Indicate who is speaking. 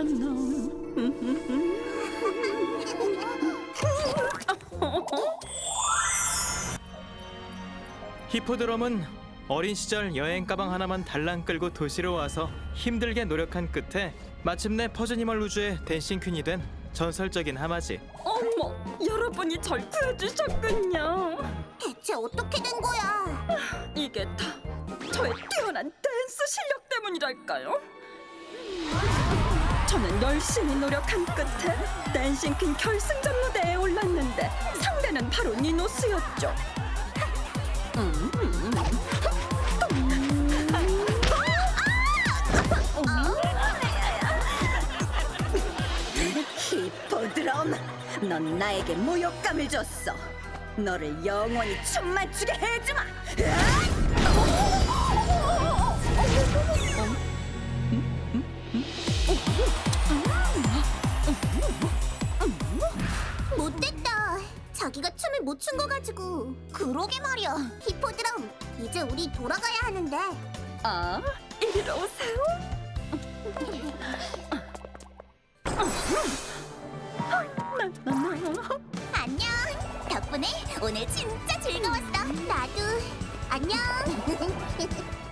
Speaker 1: 나쁜 놈.
Speaker 2: 히포드럼은 어린 시절 여행 가방 하나만 달랑 끌고 도시로 와서 힘들게 노력한 끝에 마침내 퍼즈니멀 우주의 댄싱 퀸이 된 전설적인 하마지.
Speaker 1: 어머, 여러분이 절 구해주셨군요.
Speaker 3: 대체 어떻게 된 거야?
Speaker 1: 이게 다 저의 뛰어난 댄스 실력 때문이랄까요? 저는 열심히 노력한 끝에 댄싱 퀸 결승전 무대에 올랐는데 상대는 바로 니노스였죠.
Speaker 4: 히포드럼, 넌 나에게 모욕감을 줬어. 너를 영원히 춤만 추게 해주마.
Speaker 3: 못됐다. 자기가 춤을 못 춘 거 가지고. 그러게 말이야. 히포드럼, 이제 우리 돌아가야 하는데.
Speaker 1: 아, 이리로 오세요.
Speaker 3: 안녕. 덕분에 오늘 진짜 즐거웠어. 나도. 안녕.